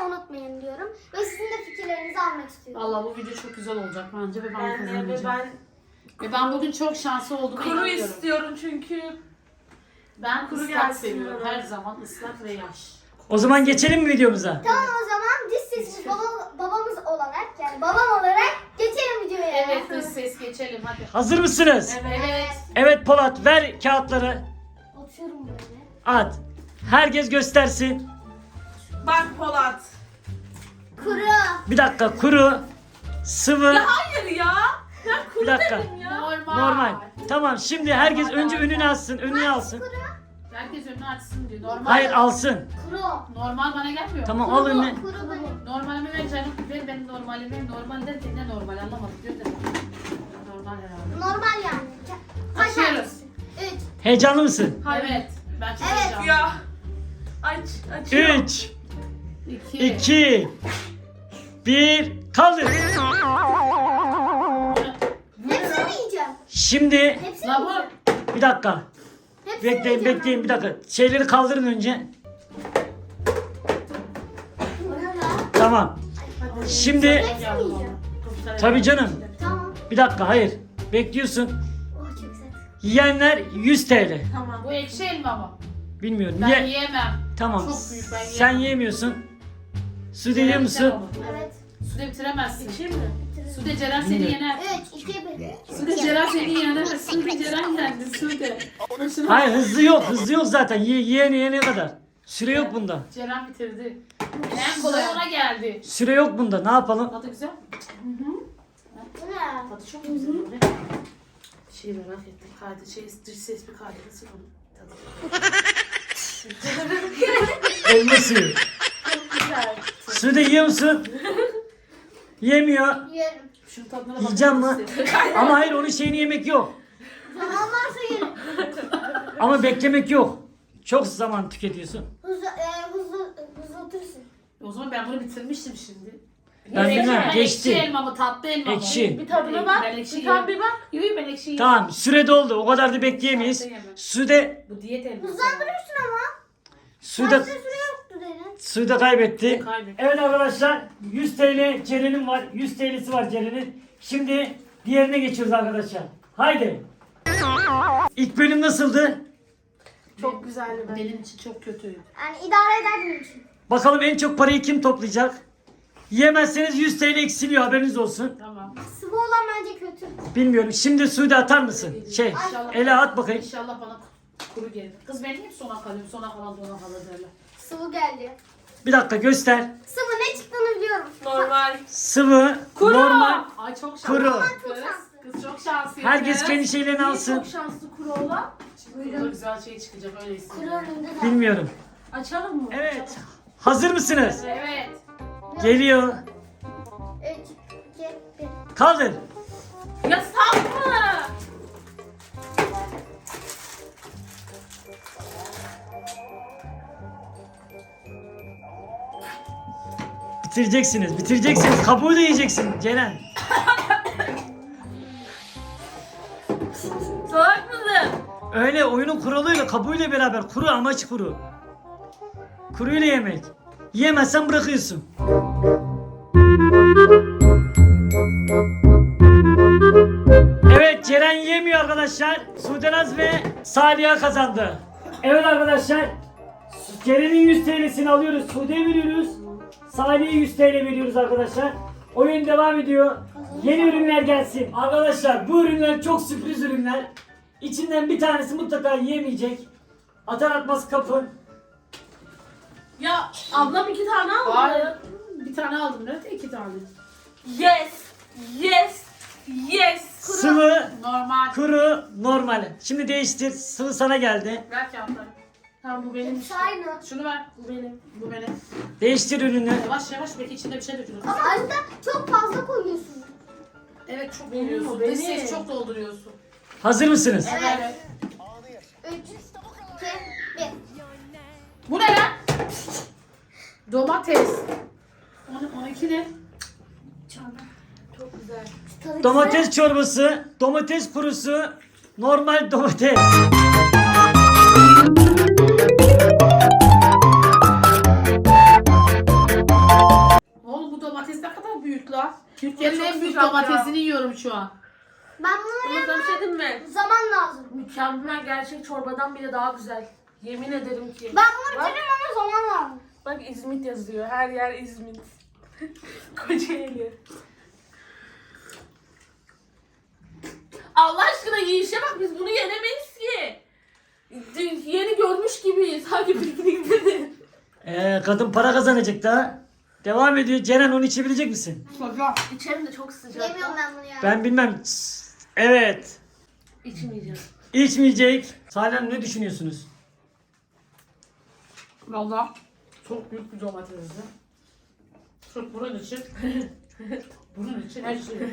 unutmayın diyorum. Ve sizin de fikirlerinizi almak istiyorum. Valla bu video çok güzel olacak bence ve ben kazanacağım. Ben Ve ben bugün çok şanslı olduğumu kuru inanıyorum. istiyorum çünkü. Ben Kuru ıslak gelsin seviyorum. bana. Her zaman ıslak ve yaş. O zaman geçelim mi videomuza? Tamam o zaman dış sesimiz babamız olarak yani babam olarak geçelim videoya. Evet dış ses geçelim hadi. Hazır mısınız? Evet. Evet Polat, ver kağıtları. Atıyorum böyle. At. Herkes göstersin. Bak Polat. Kuru. Bir dakika, kuru, sıvı. Ya hayır ya. Ben kuru Bir dakika. dedim ya. Normal. Tamam, şimdi herkes önce önünü alsın, önünü alsın. Herkes önünü açsın diyor. Normal. Hayır, alsın. Kuru. Normal bana gelmiyor. Tamam, al önüne. Kuru benim. Normalimi ver canım. Ver benim normalimi. Normal derken ne normal anlamadım diyor da. Normal herhalde. Normal yani. Açıyoruz. 3. Heyecanlı mısın? Evet. Ben çok Evet. heyecanlıyım. Ya. Açıyor. 3, 2. 2, 1, kaldır. Hepsini mi yiyeceğim? Şimdi, Hepsini mi La bu. yiyeceğim? bir dakika. Hepsini mi Bekleyin, yiyeceğim bekleyin ben? bir dakika. Şeyleri kaldırın önce. O ne lan? Tamam. Şimdi, Hepsini mi yiyeceğim? tabii canım. Tamam. Bir dakika, hayır. Bekliyorsun. Oh çok güzel. Yiyenler 100 TL. Tamam. Bu ekşi elma mı? Bilmiyorum. Ben yiyemem. Tamam. Çok büyük, ben Sen yiyemem. yemiyorsun. Sude yiyor musun? Evet. Sude bitiremezsin. İçeyim mi? Sude Ceren seni Bilmiyorum. yener. 3, 2, 1. Sude Ceren seni yener. Sude Ceren yendi. Sude. Boşuna- Hayır, hızlı yok. Hızlı yok zaten. Yiyene kadar. Süre yok bunda. Ceren bitirdi. En kolay ona geldi. Süre yok bunda. Ne yapalım? Tadı güzel mi? Bu ne? Tadı çok güzel. Bir şey merak ettim. Dış ses bir kaydetsin onu. Tadı. Elma suyu. Güzel. Sude yiyor musun? Yemiyor. Yerim. Şunun tadına bak. Yiyeceğim mi? Ama hayır, onun şeyini yemek yok. Zaman varsa yerim. Ama beklemek yok. Çok zaman tüketiyorsun. Hızlatırsın. O zaman ben bunu bitirmiştim şimdi. Ben bilmem, Ekşi geçti. elma mı tatlı elma mı? Ekşi. Bir tadına bak. Ben ekşi Bir tad yiyemem. bir bak. Yok ben ekşi yiyemem. Tamam, süre doldu. O kadar da bekleyemeyiz. Tatlı yemem. Sude, Bu diyet elması. Hızlandırırsın ama. Sude, Başta süre yoktu dedin. Sude kaybetti. Kaybetti. Evet arkadaşlar, 100 TL Ceren'in var. 100 TL'si var Ceren'in. Şimdi diğerine geçiyoruz arkadaşlar. Haydi. İlk bölüm nasıldı? Çok güzeldi ben. Benim için çok kötüydü. Yani idare eder benim için. Bakalım en çok parayı kim toplayacak? Yiyemezseniz 100 TL eksiliyor, haberiniz olsun. Tamam. Sıvı olan bence kötü. Bilmiyorum. Şimdi Sude atar mısın? İnşallah- Ela at bakayım. İnşallah bana kuru gelir. Kız ben hep sona kalıyorum. Sona kalan sona kalır derler. Sıvı geldi. Bir dakika göster. Sıvı ne çıktığını biliyorum. Normal. Sıvı, Kuru. normal, Ay çok şanslı. kuru. Kız çok şanslı. Herkes kendi şeylerini Niye alsın. çok şanslı kuru olan? Burada güzel şey çıkacak öyle Kuru hissediyorum. önünde de. Bilmiyorum. Açalım mı? Evet. Hazır mısınız? Evet. Geliyor. 3, 2, 1. Kaldır. Ya saf mı? Bitireceksiniz. Bitireceksiniz. Kabuğu da yiyeceksin Ceren. Salak mısın? Öyle oyunun kuralıyla kabuğuyla beraber. Kuru, amaç kuru. Kuruyla yemek. Yiyemezsen bırakıyorsun. Evet, Ceren yemiyor arkadaşlar. Sudenaz ve Saliha kazandı. Evet arkadaşlar. Ceren'in 100 TL'sini alıyoruz. Sude'ye veriyoruz. Salih'e 100 TL veriyoruz arkadaşlar. Oyun devam ediyor. Yeni ürünler gelsin. Arkadaşlar bu ürünler çok sürpriz ürünler. İçinden bir tanesi mutlaka yiyemeyecek. Atar atmaz kapın. Ya ablam 2 tane aldı. Hayır. Bir tane aldım. Nerede? 2 tane. Yes. Yes. Yes. Sıvı, Normal. kuru, normal. Şimdi değiştir. Sıvı sana geldi. Ver kağıtları. Tamam bu benim. Hepsi aynı. Şunu ver. Bu benim. Bu benim. Değiştir ürünü. Yavaş yavaş belki içinde bir şey dökülür. Ama aslında çok fazla koyuyorsun. Evet çok Benim dolduruyorsun. o, benim. Dış ses çok dolduruyorsun. Hazır mısınız? Evet. 3, 2, 1. Bu ne lan? Domates. 12 ne? Çok güzel. Tadı Domates çorbası, domates kurusu, normal domates. Türkiye'nin Çok en büyük sıcak ya. domatesini yiyorum şu an. Ben bunu Ama sana bir şey diyeyim mi? zaman lazım. Mükemmel, gerçek çorbadan bile daha güzel. Yemin ederim ki. Ben bunu bitiririm ama zaman lazım. Bak İzmit yazıyor. Her yer İzmit. Kocaeli. Allah aşkına yiyişe bak, biz bunu yenemeyiz ki. Yeni görmüş gibiyiz. Hangi piknikte de. Kadın para kazanacak daha. Devam ediyor. Ceren onu içebilecek misin? İçerim de çok sıcak. Yemiyorum ben bunu ya. Ben bilmem. Evet. İçmeyeceğim. İçmeyecek. Salih Hanım ne düşünüyorsunuz? Valla çok büyük bir domatesdi. Sırf bunun için. Bunun için her şey.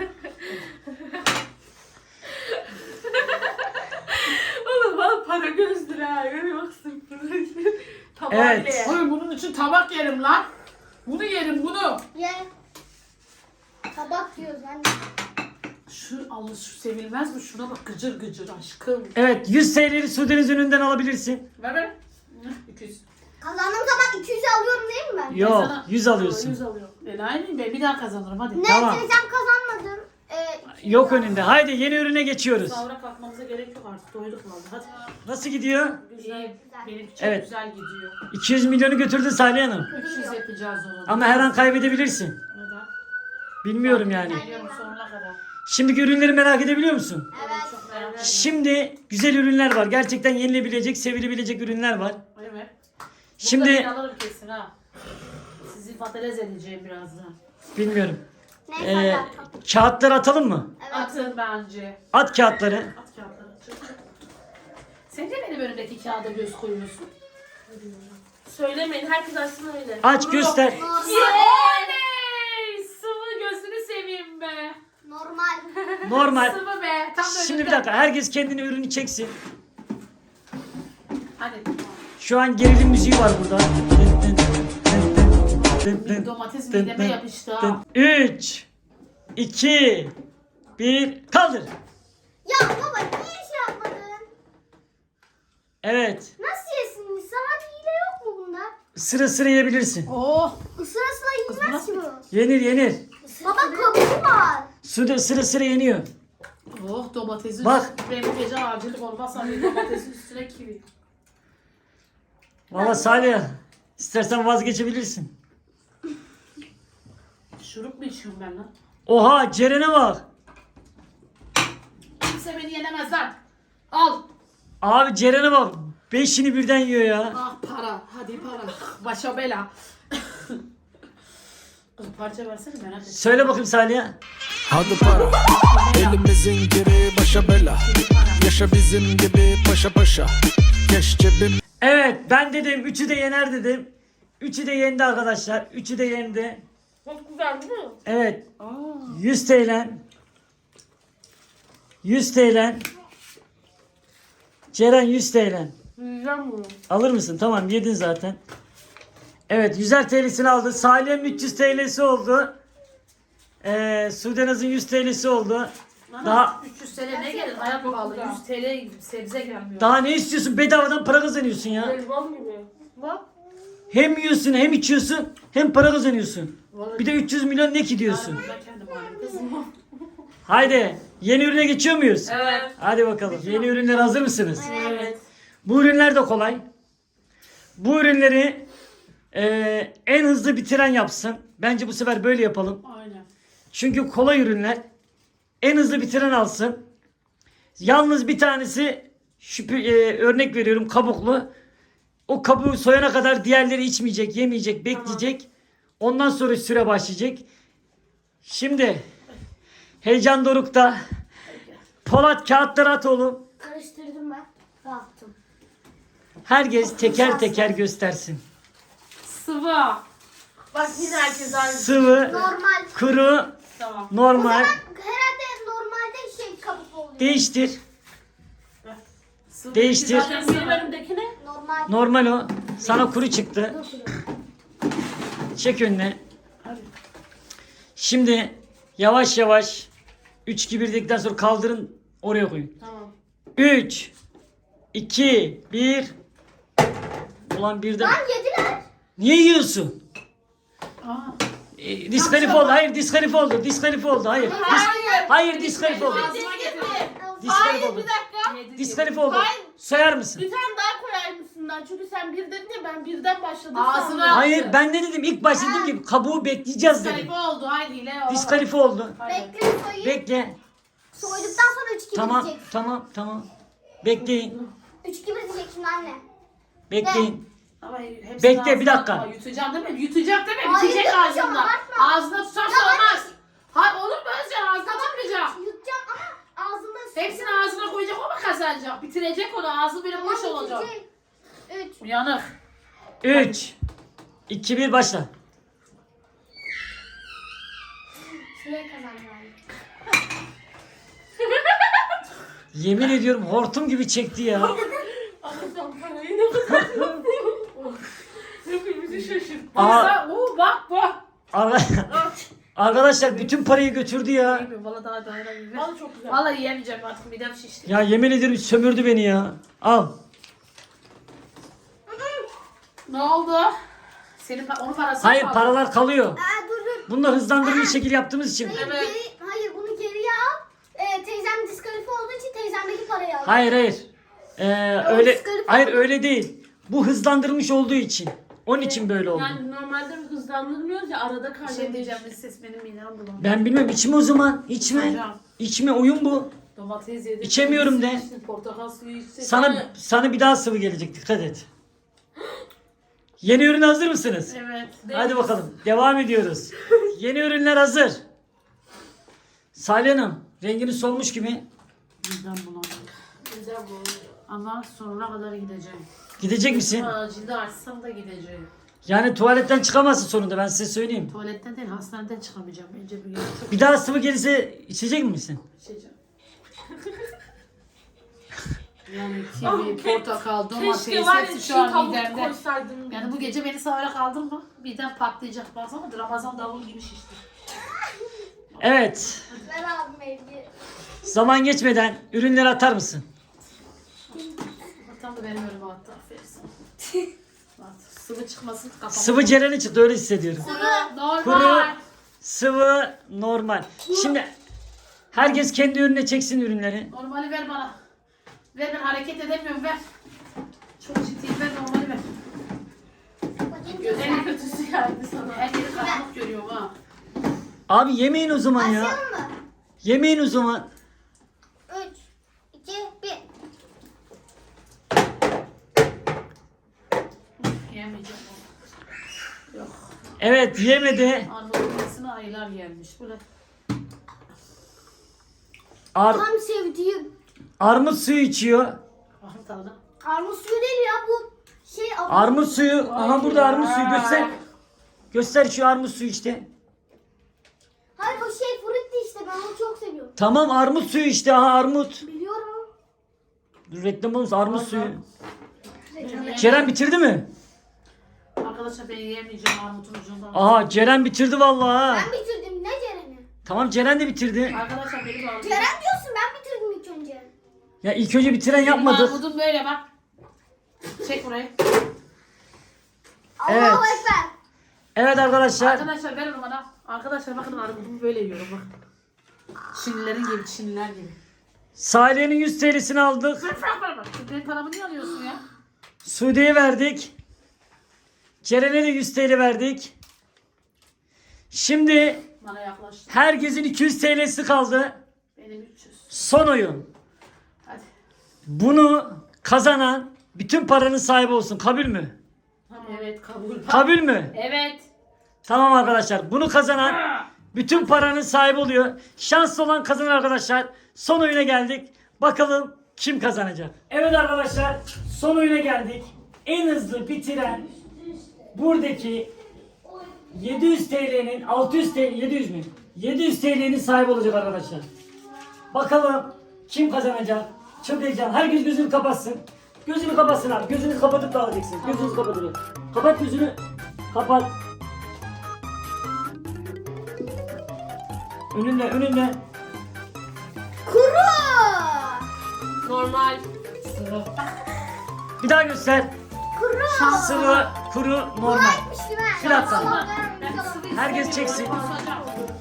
Oğlum bana para gözdür ha. Görüyor musun? Tamam Evet. bile. Oğlum bunun için tabak yerim lan. Bunu yerim bunu. Ye. Tabak diyoruz anne. Şu sevilmez mi? Şuna bak gıcır gıcır aşkım. Evet 100 TL'yi Sude'niz önünden alabilirsin. Ver. 200. Kazandığım zaman 200'ü alıyorum değil mi ben? Yok sana- 100 alıyorsun. 100 alıyor. Aynı ben bir daha kazanırım hadi. Ne Tamam. teyzem kazanmadım. 200 Yok aldım. önünde. Haydi yeni ürüne geçiyoruz. Sahura kalkmamıza gerek yok artık. Doyduk vallahi hadi. Nasıl gidiyor? İyi. Benim çok Evet. güzel gidiyor. 200 milyonu götürdü Salih Hanım. 300 yapacağız onu. Ama her an kaybedebilirsin. Neden? Bilmiyorum yani. Biliyorum sonuna kadar. Şimdiki ürünleri merak edebiliyor musun? Evet. Çok merak ediyorum. Şimdi güzel ürünler var. Gerçekten yenilebilecek, sevilebilecek ürünler var. Evet. Şimdi Şimdi alırım kesin ha. Sizi patates edeceğim birazdan. bilmiyorum. Neyse Ee, hadi. kağıtları atalım mı? Evet. Atın bence. At kağıtları. At kağıtları. Sen de benim önümdeki kağıda göz koyuyorsun. Söylemeyin. Herkes açsın öyle. Aç göster. Normal. Oley! Sıvı gözünü seveyim be. Normal. Normal. Sıvı be. Tam da Şimdi bir önümde. dakika. Herkes kendine ürünü çeksin. Hadi. Şu an gerilim müziği var burada. Bir domates mideme yapıştı ha. 3 2 1 kaldır. Ya baba niye şey yapmadın? Evet. Nasıl yesin insan? Hadi hile yok mu bunda? Sıra sıra yiyebilirsin. Oh! Sıra sıra yenmez ki bu. Yenir yenir. Baba kabuğu var. Sıra sıra yeniyor. Oh domatesin Bak. benim gece acillik olmazsa bir domatesin üstüne kivi. Valla Salih istersen vazgeçebilirsin. Şurup mu içiyorum ben lan? Oha Ceren'e bak. Kimse beni yenemez lan. Al. Abi Ceren'e bak. 5'ini birden yiyor ya. Ah para. Hadi para. Başa bela. Kız parça versene merak ettim. Söyle bakayım Salih'e. Hadi para elimizin geri başa bela. Yaşa bizim gibi paşa paşa. Keş cebim. Evet ben dedim 3'ü de yener dedim. 3'ü de yendi arkadaşlar. 3'ü de yendi. Çok güzel değil mi? Evet. 100 TL. 100 TL. Ceren 100 TL. Yiyeceğim bunu. Alır mısın? Tamam yedin zaten. Evet 100'er TL'sini aldı. Salih'in 300 TL'si oldu. Sudenaz'ın 100 TL'si oldu. Daha 300 TL ne gelir? Hayat pahalı. 100 TL sebze gelmiyor. daha ne istiyorsun? Bedavadan para kazanıyorsun ya. Elbam gibi. Bak. Hem yiyorsun hem içiyorsun hem para kazanıyorsun. Vallahi Bir de 300 milyon ne ki diyorsun. ben kendim alayım kızım. Haydi yeni ürüne geçiyor muyuz? Evet. Hadi bakalım. Yeni ürünler hazır mısınız? Evet. Bu ürünler de kolay. Bu ürünleri en hızlı bitiren yapsın. Bence bu sefer böyle yapalım. Aynen. Çünkü kolay ürünler. En hızlı bitiren alsın. Yalnız bir tanesi örnek veriyorum kabuklu. O kabuğu soyana kadar diğerleri içmeyecek, yemeyecek, bekleyecek. Ondan sonra süre başlayacak. Şimdi heyecan dorukta. Polat kağıtları at oğlum. Karıştırdım ben. Rahatım. Herkes teker teker göstersin. Sıvı. Bak yine herkes aynı. Sıvı, Normal. kuru, Tamam. normal. Herhalde normalde şey kabuk oluyor. Değiştir. Sıvı Değiştir. zaten benim önümdeki ne? Normal. Normal o. Sana kuru çıktı. Çek önüne. Hadi. Şimdi yavaş yavaş 3 2 1 dedikten sonra kaldırın oraya koyun. Tamam. 3 2 1 Ulan birden. Lan yediler. Niye yiyorsun? Aa. Diskalifi oldu. Hayır diskalifi oldu. Diskalifi oldu. Hayır. Hayır diskalifi oldu. Ağzıma getir. Diskalifi Hayır oldu. bir dakika. Diskalifi oldu. Hayır. Sayar mısın? Bir tane daha koyar mısından? Çünkü sen bir dedin ya ben birden başladım. Ağzına- sandım. Hayır ben ne dedim? İlk başta dedim ki kabuğu bekleyeceğiz dedim. Diskalifi oldu. Haydi hile olamaz. Diskalifi oldu. Bekle soyayım. Bekle. Soyduktan sonra 3-2 Tamam diyecek. tamam. Bekleyin. 3-2 diyecek şimdi anne. Bekleyin. Ama hepsini Bekle, bir ağzına dakika. atma. Yutacağım değil mi? Yutacak değil mi? Hayır, Bitecek yutmayacağım, ağzında. abartma. Ağzına tutarsa olmaz. Hayır olur mu Özcan? Ağzına tutmayacak. Yutacağım ama ağzında Hepsini ağzına koyacak, o mu kazanacak? Bitirecek onu, ağzı böyle boş olacak. 3. Uyanık. 3 2 1 başla. Şuraya kazandım anne. Yemin ediyorum hortum gibi çekti ya. Allah'ım parayı ne kadar. Hepimizi şaşırttı. Aa, Bak. arkadaşlar bütün parayı götürdü ya. Yemiyorum, valla daha dayanamıyorum. Vallahi çok güzel. Vallahi yiyemeyeceğim artık, midem şişti. Ya yemin ederim sömürdü beni ya. Al. Ne oldu? Senin onun parası Hayır mı? paralar kalıyor. Dur. Bunlar hızlandırılmış şekil yaptığımız için. Hayır, Evet. hayır bunu geriye al. Teyzem diskalifi olduğu için teyzemdeki parayı al. Hayır. Öyle diskalifi hayır oldu. öyle değil. Bu hızlandırılmış olduğu için. Onun için böyle oldu. Yani normalde hızlandırmıyoruz ya arada Bir şey kaydediyoruz. diyeceğim, ses benim midem bulandı. Ben bilmem içme o zaman. İçme. Hocam, İçme oyun bu. domates yedim. İçemiyorum de. içtim, portakal suyu içtim. Sana bir daha sıvı gelecek dikkat et. Yeni ürün hazır mısınız? Evet. Hadi bakalım. Devam ediyoruz. Yeni ürünler hazır. Salih Hanım, rengini solmuş gibi. Midem bulandı. Güzel bu. Ama sonuna kadar gideceğim. Gidecek misin? Acilde açsam da gideceğim. Yani tuvaletten çıkamazsın sonunda ben size söyleyeyim. Tuvaletten değil, hastaneden çıkamayacağım. Bence bir gün çok Bir daha sıvı gelirse içecek misin? içeceğim. Yani kivi, portakal, domates, Keşke var ya hepsi şu şu an tavuk midemde. koysaydım. Yani bu gece beni sahura kaldın mı? Birden patlayacak, baksana Ramazan davulu gibi şişti. Evet. Ver abim evde. Zaman geçmeden ürünleri atar mısın? Tam da benim önüme attı, aferin sana. Bak, sıvı çıkmasın kafama. Sıvı Ceren'in çıktı öyle hissediyorum. Normal. Kuru, sıvı, normal. Şimdi herkes kendi önüne çeksin ürünleri. Normali ver bana. Ver, ben hareket edemiyorum, ver. Çok ciddiyim, ver normali ver. Bakayım En kötüsü geldi sana. Her yeri karanlık görüyorum ha. Abi yemeyin o zaman ya. Başlayalım mı? Yemeyin o zaman. 3, 2, 1. Yemeyeceğim onu. Yok. Evet yemedi. Armudun iyisini ayılar yermiş. Bu ne? Tam sevdiğim. Armut suyu içiyor. Bakın tadına. Armut suyu değil ya bu şey. Armut suyu. Aha burada armut suyu göster. Göster şu armut suyu işte. Hayır o şey frutti işte ben onu çok seviyorum. Tamam armut suyu işte. Aha armut. Biliyorum. Dur, reklam olmuş armut suyu. Ceren bitirdi mi? Arkadaşlar ben yiyemeyeceğim armutun ucundan. Aha Ceren bitirdi vallahi ha. Ben bitirdim ne Ceren'i? Tamam Ceren de bitirdi. Arkadaşlar benim armudum. Ceren diyorsun ben bitirdim ilk önce. Ya ilk önce bitiren yapmadık. Armudum böyle bak. Çek burayı. Evet. Allahu Ekber. Evet arkadaşlar. Arkadaşlar ver onu bana. Arkadaşlar bakın armudumu böyle yiyorum bak. Çinlilerin gibi, Çinliler gibi. Salih'in 100 TL'sini aldık. Bak benim paramı niye alıyorsun ya? Sude'ye verdik. Ceren'e de 100 TL verdik. Şimdi Bana yaklaştı. herkesin 200 TL'si kaldı. Benim 300. Son oyun. Hadi. Bunu kazanan bütün paranın sahibi olsun. Kabul mü? Evet kabul. Kabul mü? Evet. Tamam arkadaşlar. Bunu kazanan bütün paranın sahibi oluyor. Şanslı olan kazanan arkadaşlar. Son oyuna geldik. Bakalım kim kazanacak? Evet arkadaşlar. Son oyuna geldik. En hızlı bitiren buradaki 700 TL'nin 600 TL 700 mü? 700 TL'nin sahibi olacak arkadaşlar. Bakalım kim kazanacak? Çok heyecan. Herkes gözünü kapatsın. Gözünü kapatsın abi. Gözünü kapatıp da alacaksın. Gözünü kapatın. Kapat gözünü. Kapat. Önünde. Kuru. Normal. Bir daha göster. Kuru. Sıvı, kuru, normal. Kolaymış değil mi? Bir dakika. Allah vermesin. Ben sıvı Herkes istemiyorum, çeksin. kusacağım.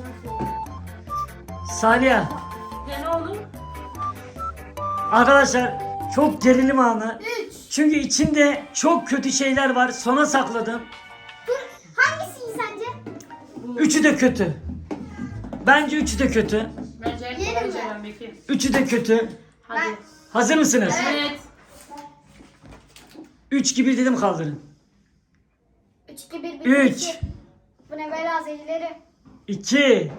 Salih. Ne oğlum? Arkadaşlar çok gerilim anı. 3. Çünkü içinde çok kötü şeyler var. Sona sakladım. Dur. Hangisi iyi sence? Üçü de kötü. Bence üçü de kötü. Bence en Yerim kolay mi? Ceren Bekir. Üçü de kötü. Hadi. Ben- Hazır mısınız? Evet. 3 gibi dedim kaldırın. 3, 2, 1, 1, 3. 2. Bu ne böyle azelileri? 2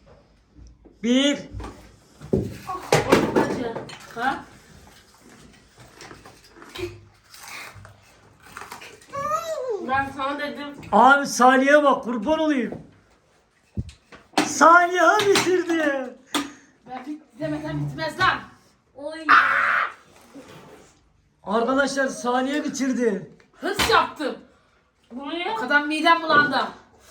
1 O çok acı. Ha? Ben sana dedim. Abi Salih'e bak kurban olayım. Salih'e bitirdi. Ben demeden bitmez lan. Oy. Arkadaşlar Salih'e bitirdi. Hırs yaptım. Bu ne? O kadar midem bulandı.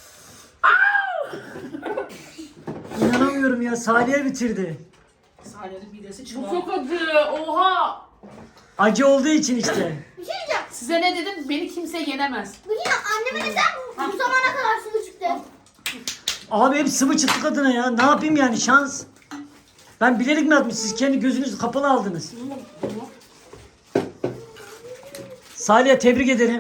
İnanamıyorum ya Salih'e bitirdi. Salih'in midesi Bu çıkıyor. çok acı. Oha. Acı olduğu için işte. Bir şey diyeceğim. Size ne dedim? Beni kimse yenemez. Bu yine anneme neden bu zamana kadar sıvı çıktı? Abi hep sıvı çıktı kadına ya. Ne yapayım yani şans. Ben bilerek mi atmış? Siz kendi gözünüzü kapalı aldınız. Salih'e tebrik ederim.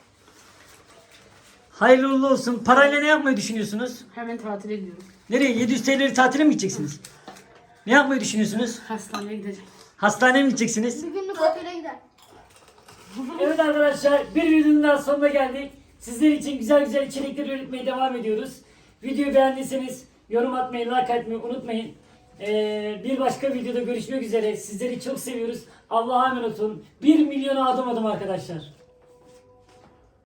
Hayırlı uğurlu olsun. Parayla ne yapmayı düşünüyorsunuz? Hemen tatile gidiyorum. Nereye? 700 TL'leri tatile mi gideceksiniz? Ne yapmayı düşünüyorsunuz? Hastaneye gideceğim. Hastaneye mi gideceksiniz? Bir günlük otele gider. Evet arkadaşlar bir videonun daha sonuna geldik. Sizler için güzel güzel içerikler üretmeye devam ediyoruz. Videoyu beğendiyseniz yorum atmayı, like atmayı unutmayın. Bir başka videoda görüşmek üzere. Sizleri çok seviyoruz. Allah'a emanet olun. 1 milyona adım arkadaşlar.